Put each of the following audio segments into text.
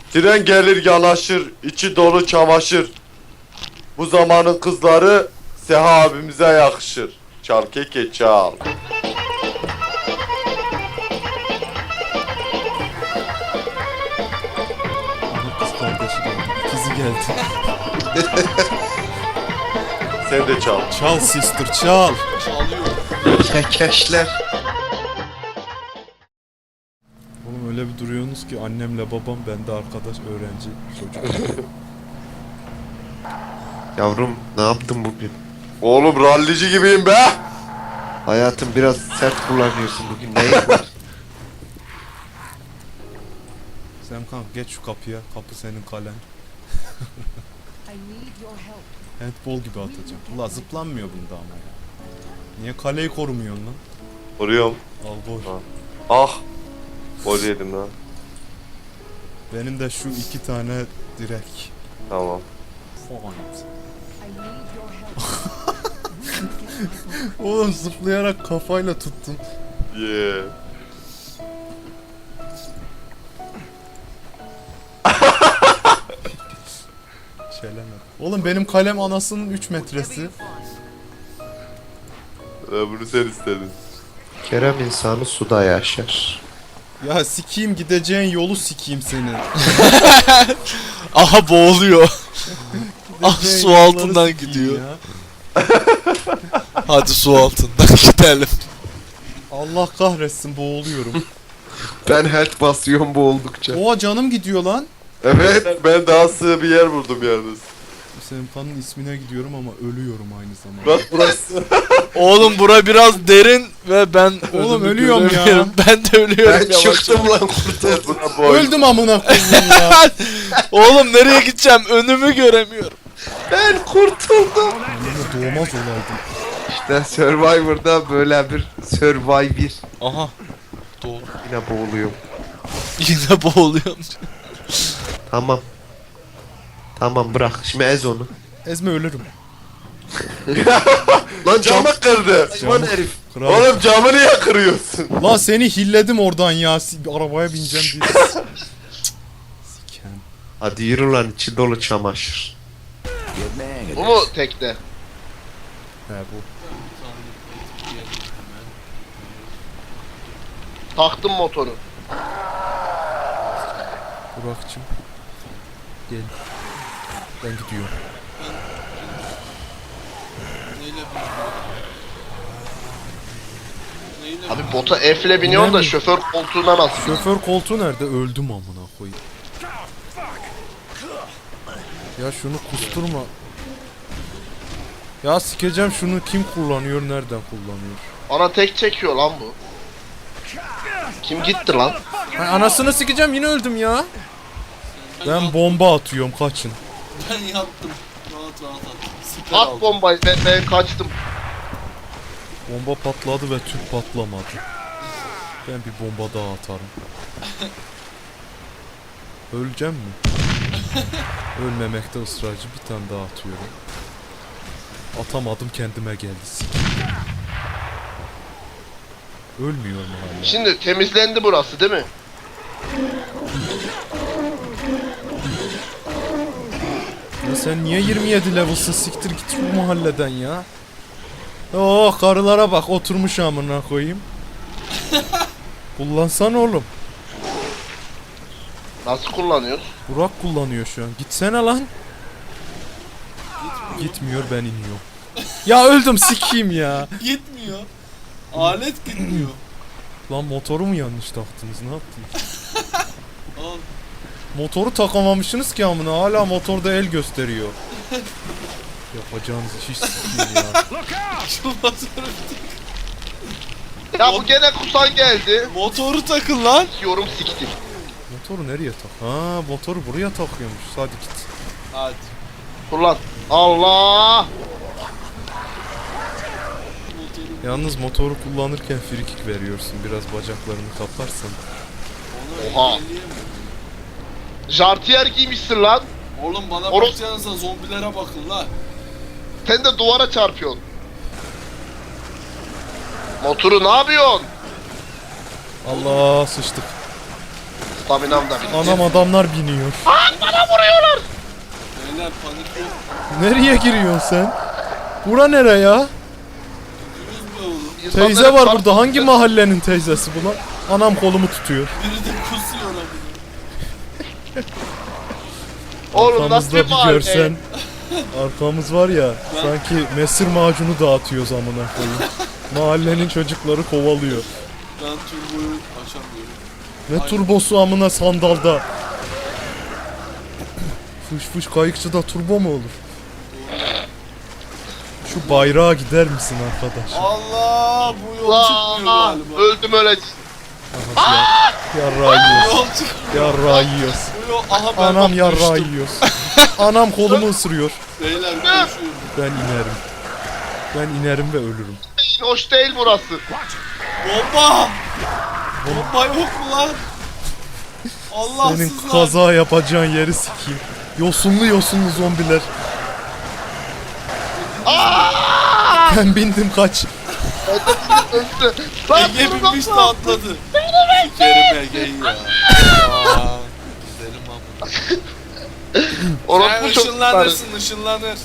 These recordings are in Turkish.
Tren gelir yanaşır, içi dolu çamaşır. Bu zamanın kızları Seha abimize yakışır. Çal keke çal. Kız kardeşi geldi. İkizi geldi. Sen de çal. Çal sister çal. Kekeşler. Oğlum öyle bir duruyorsunuz ki annemle babam, ben de arkadaş, öğrenci, çocuk. Yavrum ne yaptın bugün? Oğlum rallici gibiyim be. Hayatım biraz sert kullanıyorsun bugün. Neyin var? Semkan geç şu kapıya. Kapı senin kalen. Handball gibi atacağım. Ula zıplanmıyor bunda ama ya. Niye kaleyi korumuyorsun lan? Vuruyorum. Al gol. Ha. Ah. Gol yedim lan. Benim de şu 2 tane direk. Tamam. Oğlum zıplayarak kafayla tuttum. Yeah. Şeylemedi. Oğlum benim kalem anasının 3 metresi. Bunu sen istedin. Kerem insanı suda yaşar. Ya sikiyim, gideceğin yolu sikiyim seni. Aha boğuluyor. Ah, Gideceğin su yolları altından sikeyim gidiyor. ya. Hadi su altından gidelim. Allah kahretsin, boğuluyorum. Ben health basıyorum bu oldukça. Oha canım gidiyor lan. Evet. Ben daha sığ bir yer buldum yalnız. Semkan'ın ismine gidiyorum ama ölüyorum aynı zamanda. Bak burası. Oğlum bura biraz derin ve ben Oğlum önümü ölüyorum ya. göremiyorum. Ben de ölüyorum Ben yavaş çıktım yavaş. lan kurtar. Buna boy. Öldüm amına koyayım ya. Oğlum nereye gideceğim? Önümü göremiyorum. Ben kurtuldum. Anneme doğmaz olaydım. İşte Survivor'da böyle bir Survivor. Aha. Doğru. Yine boğuluyorum. Yine boğuluyorum. Tamam. Tamam bırak. Şimdi ez onu. Ezme ölürüm. Lan Camı kırdı. Lan herif. Kral. Oğlum camı niye kırıyorsun? Lan seni hilledim oradan ya. Arabaya bineceğim diye. Siken. Hadi yürü lan içi dolu çamaşır. Bu mu tekte? He bu. Taktım motoru. Burak'cığım. Gel. Ben gidiyorum. Abi bota F'le biniyorsun da Nerede? şoför koltuğuna nasıl? Şoför koltuğu nerede? Öldüm amına koyayım. Ya şunu kusturma. Ya sikeceğim şunu, kim kullanıyor, nereden kullanıyor? Ana tek çekiyor lan bu. Kim gitti lan? Ha, anasını sikeceğim, yine öldüm ya. Ben bomba atıyorum, kaçın. Ben yattım. Rahat rahat at. Süper At bombayı ben kaçtım. Bomba patladı ve tüp patlamadı. Ben bir bomba daha atarım. Öleceğim mi? Ölmemekte ısrarcı, bir tane daha atıyorum. Atamadım, kendime geldi. Ölmüyor mu hala? Şimdi temizlendi burası değil mi? Ya sen niye 27 level'sın? Siktir git bu mahalleden ya. Oh, karılara bak, oturmuş amına koyayım. Kullansana oğlum. Nasıl kullanıyoruz? Burak kullanıyor şu an. Gitsene lan. Gitmiyor, ben iniyorum. Ya öldüm, sikeyim ya. Gitmiyor. Alet gitmiyor. Lan motoru mu yanlış taktınız, ne yaptınız? Al. Motoru takamamışsınız ki amına, hala motorda el gösteriyor. Yapacağınız iş sikeyim ya. Şu motoru, Ya bu gene kusan geldi. motoru takın lan. Yorum siktim. Motoru nereye tak? Ha, motoru buraya takıyormuş. Hadi git. Hadi. Kullan. Allah! Yalnız motoru kullanırken frikik veriyorsun. Biraz bacaklarını kaparsan. Oha. Jartiyer giymişsin lan. Oğlum bana Oğlum. bakacağınızda zombilere bakın la. Sen de duvara çarpıyorsun. Motoru ne yapıyorsun? Allah, sıçtık. Staminam da bitti. Anam adamlar biniyor. Beyler panik yok. Nereye giriyorsun sen? Bura nere ya? Gidiyoruz be oğlum. İnsanları Teyze var çarp- burada. Hangi mahallenin teyzesi bu lan? Anam kolumu tutuyor. Biri de kusuyor lan. Oğlum nasıl Arkamızda bir bir mahalle? görsen. Arkamız var ya. Sanki mesir macunu dağıtıyoruz amına koyayım. Mahallenin çocukları kovalıyor. Ben turboyu açamıyorum. Ne turbosu amına sandalda. Fış fış kayıkçıda turbo mu olur? Şu bayrağa gider misin arkadaş? Allah bu yol çıkmıyor Allah! galiba. Öldüm öyle. Yarrağı yiyoruz. Yol çıkmıyor. Yarrağı yiyoruz. Bu yol aha ben Anam bak yarrağı düştüm. yiyoruz. Anam kolumu ısırıyor. Beyler koşuyorum. Ben inerim. Ben inerim ve ölürüm. Hoş değil burası. Bomba! Bomba yok mu lan? Allahsız Senin lan. kaza yapacağın yeri sikeyim. Yosunlu yosunlu zombiler. Ben bindim kaç. Öldü. Lan Ege durun binmiş de lan. atladı. Sikerim Ege'yi ya. Aa, gidelim ama. Sen Orospu çocuklar. ışınlanırsın ışınlanır.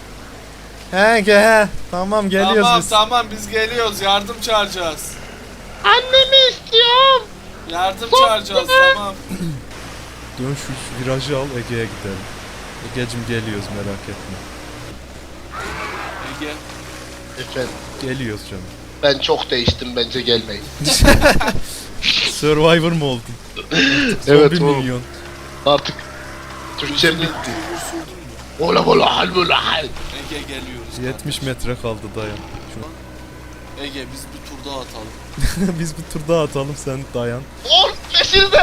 He. Tamam geliyoruz Tamam biz. tamam biz geliyoruz yardım çağıracağız. Annemi istiyorum. Yardım çağıracağız tamam. Dön şu virajı al Ege'ye gidelim. Ege'cim geliyoruz merak etme. Ege. Efendim Geliyoruz canım. ben çok değiştim bence gelmeyin. Survivor mu oldun? Evet Zombi oğlum. milyon. Artık Türkçem Üzerine bitti. turbo sürdün mü? Ola bola hal bola hal. Ege geliyoruz. 70 metre kaldı dayan. Ege biz bir tur daha atalım. Biz bir tur daha atalım sen dayan. Oğlum peşinde.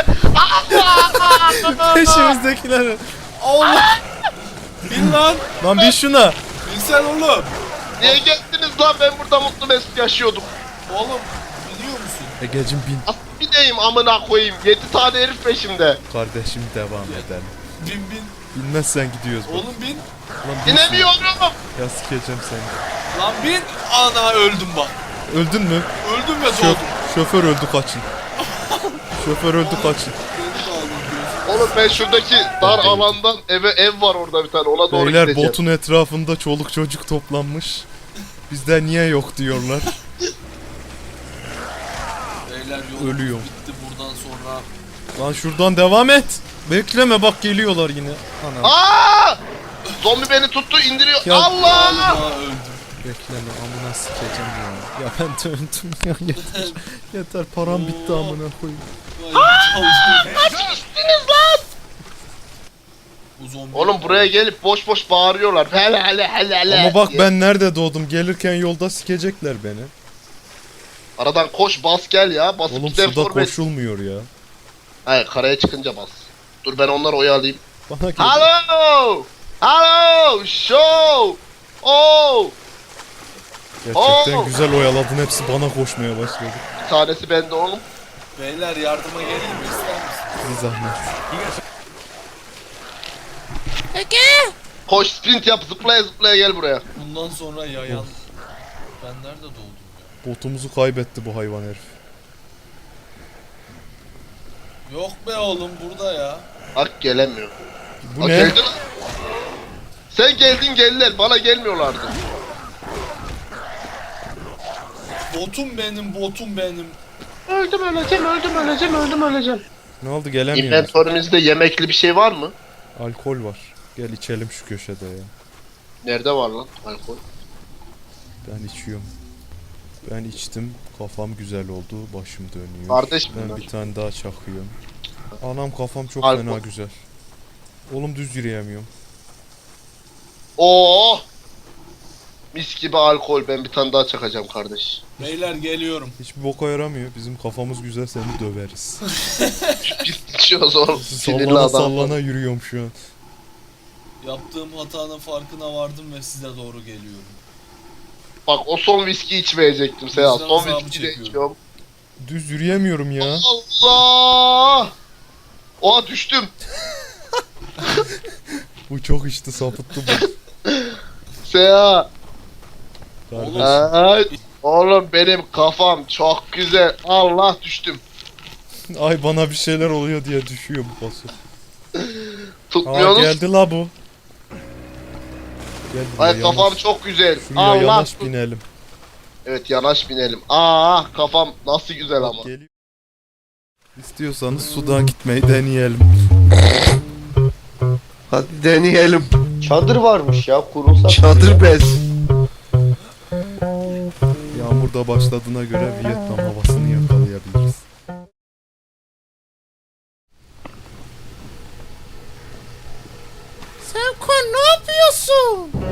Peşimizdekiler. Allah! Bin lan! Lan bir şuna. Bilsen oğlum! Niye geldiniz lan ben burada mutlu mesut yaşıyordum. Oğlum biliyor musun? Egecim bin. Nasıl bineyim amına koyayım 7 tane herif peşimde. Kardeşim devam edelim. Bin. Bilmezsen gidiyoruz bak. Oğlum bin. Lan bin Binemiyorum. şuna. Ya sikeceğim seni. Lan bin. Ana öldüm bak. Öldün mü? Öldüm ve doğdum. Şoför öldü kaçın. Şoför öldü kaçın. Beni de aldın diyorsun. Oğlum ben şuradaki dar alandan ev var orada bir tane ona doğru Beyler gideceğim. botun etrafında çoluk çocuk toplanmış. Bizde niye yok diyorlar. Beyler yolumuz Ölüyorum. bitti buradan sonra. Lan şuradan devam et. Bekleme bak geliyorlar yine. Ana Aa! Zombi beni tuttu indiriyor. Ya- Allah! Aa öldüm. bekleme amına sikeceğim ya. Ya ben döndüm ya yeter. Yeter param bitti amına koyayım. Kaçmışsınız lan! Bu zombi. Oğlum buraya gelip boş boş bağırıyorlar. Hele hele hele hele. Ama bak diye. ben nerede doğdum? Gelirken yolda sikecekler beni. Aradan koş bas gel ya. Basıp Oğlum gider suda forvet. koşulmuyor ya. Hayır karaya çıkınca bas. Dur ben onları oyalayayım. Bana gel. Hello! Hello! Show! Oh! Gerçekten Oo. güzel oyaladın. Hepsi bana koşmaya başladı. Bir tanesi bende oğlum. Beyler yardıma geleyim mi ister misin? Bir zahmet. Koş sprint yap zıplaya zıplaya gel buraya. Bundan sonra yayan. Ben nerede doğdum ya? Botumuzu kaybetti bu hayvan herif. Yok be oğlum burada ya. Bak gelemiyor. Bu Bak ne? geldi lan. Sen geldin geldiler bana gelmiyorlardı. Botum benim. Öldüm öleceğim. Ne oldu gelemiyoruz. İnventörümüzde yemekli bir şey var mı? Alkol var. Gel içelim şu köşede ya. Nerede var lan alkol? Ben içiyorum. Ben içtim. Kafam güzel oldu. Başım dönüyor. Kardeş Ben bunlar. bir tane daha çakıyorum. Anam kafam çok Alkol. fena güzel. Oğlum düz yürüyemiyorum. Oo! Mis gibi alkol ben bir tane daha çakacağım kardeş. Beyler geliyorum. Hiçbir boka yaramıyor. Bizim kafamız güzel seni döveriz. Biz içiyoruz oğlum. Sinirli sallana adam. sallana yürüyorum şu an. Yaptığım hatanın farkına vardım ve size doğru geliyorum. Bak o son viski içmeyecektim Seha. Vicdan Son azabı viski de çekiyorum. içiyorum. Düz yürüyemiyorum ya. Allah! Oha düştüm. Bu çok içti sapıttı bu. Seha. Kardeş. Ay, oğlum benim kafam çok güzel. Allah düştüm. Ay bana bir şeyler oluyor diye düşüyor bu bosu. Tutmuyorsunuz. Geldi la bu. Gel buraya, Ay kafam yanaş. çok güzel. Şuraya Allah. yanaş binelim. Evet yanaş binelim. Aa kafam nasıl güzel ama. Geliyor. İstiyorsanız sudan gitmeyi deneyelim. Hadi deneyelim. Çadır varmış ya kurulsa. Çadır bez. Yağmur da başladığına göre Vietnam havasını yakalayabiliriz. Sevko ne yapıyorsun?